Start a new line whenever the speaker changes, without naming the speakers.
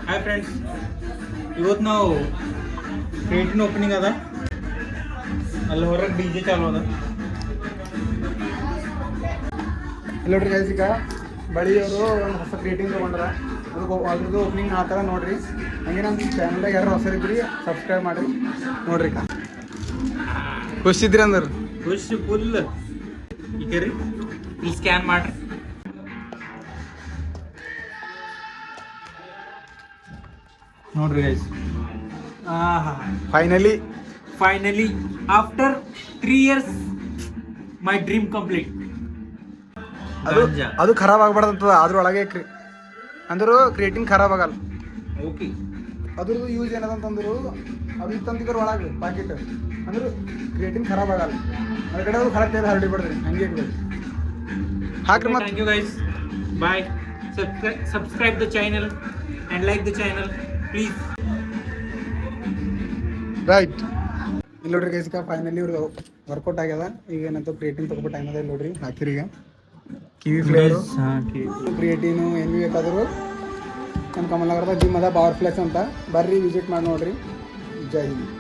Hi friends, ಇವತ್ತು ನಾವು creatine opening ಅದ. ಅಲ್ಲಿ ಹೊರಗೆ DJ ಚಾಲು ಅದ.
ನೋಡ್ರಿ ಗೈಸ್, ಈಗ ಬಳಿಯವರು ಒಂದು ಹೊಸ ಕ್ರಿಯೇಟಿನ್ ತೊಗೊಂಡ್ರ ಅದ್ರದ್ದು ಓಪನಿಂಗ್ ಆ ಥರ ನೋಡ್ರಿ. ಹಂಗೆ ನಮ್ಮ ಚಾನಲ್ದಾಗ ಯಾರು ಹೊಸರಿದ್ರಿ ಸಬ್ಸ್ಕ್ರೈಬ್ ಮಾಡಿ ನೋಡ್ರಿ. ಖುಷಿದ್ರಿ ಅಂದ್ರೆ
ಖುಷಿ ಫುಲ್. ಈಗ ರೀ ಇಲ್ಲಿ ಸ್ಕ್ಯಾನ್ ಮಾಡ್ರಿ. ನೋಡ್ರಿ guys, finally after 3 years my dream complete.
ಅದು ಖರಾಬ್ ಆಗ್ಬಾರ್ದಂತದ, ಅದ್ರೊಳಗೆ ಅಂದ್ರು ಕ್ರಿಯೇಟಿನ್ ಖರಾಬ್ ಆಗಲ್ಲ.
ಓಕೆ,
ಅದ್ರದ್ದು ಯೂಸ್ ಏನದಂತಂದ್ರು ಅದು ಇತ್ತಂತಿದ್ರ ಒಳಗೆ ಪ್ಯಾಕೆಟ್ ಅಂದ್ರೆ ಕ್ರಿಯೇಟಿನ್ ಖರಾಬ್ ಆಗಲ್ಲ. ಅದ್ರ ಕಡೆ ಅದು ಕರೆಕ್ಟ್ ಇದೆ, ಹರಡಿ ಬಿಡ್ರಿ ಹಂಗೆ ಇರ್ಬೇಕು. ಹಾಕ್ರಿ ಮತ್ತೆ.
Thank you guys, bye. Subscribe the channel and like the channel please.
Right, ಇಲ್ಲಿ ನೋಡ್ರಿ ಗೈಸ್, ಫೈನಲಿ ಇವ್ರಿಗೆ ವರ್ಕೌಟ್ ಆಗ್ಯದ. ಈಗ ಏನಂತ ಕ್ರಿಯೇಟಿನ್ ತಗೋಬಿಟ್ಟು ಟೈಮ್ ಅದ. ಇಲ್ಲಿ ನೋಡ್ರಿ ಹಾಕಿರಿ. ಈಗ ಕಿವಿ ಫ್ಲೇವರು ಕ್ರಿಯೇಟಿನು ಏನು ಭೀ ಬೇಕಾದರೂ ನಮ್ಮ ಕಮಲನಗರದ ಜಿಮ್ ಅದ, ಪವರ್ ಫ್ಲೆಕ್ಸ್ ಅಂತ. ಬರ್ರಿ ವಿಸಿಟ್ ಮಾಡಿ ನೋಡ್ರಿ. ಜೈ ಹಿಂದ್.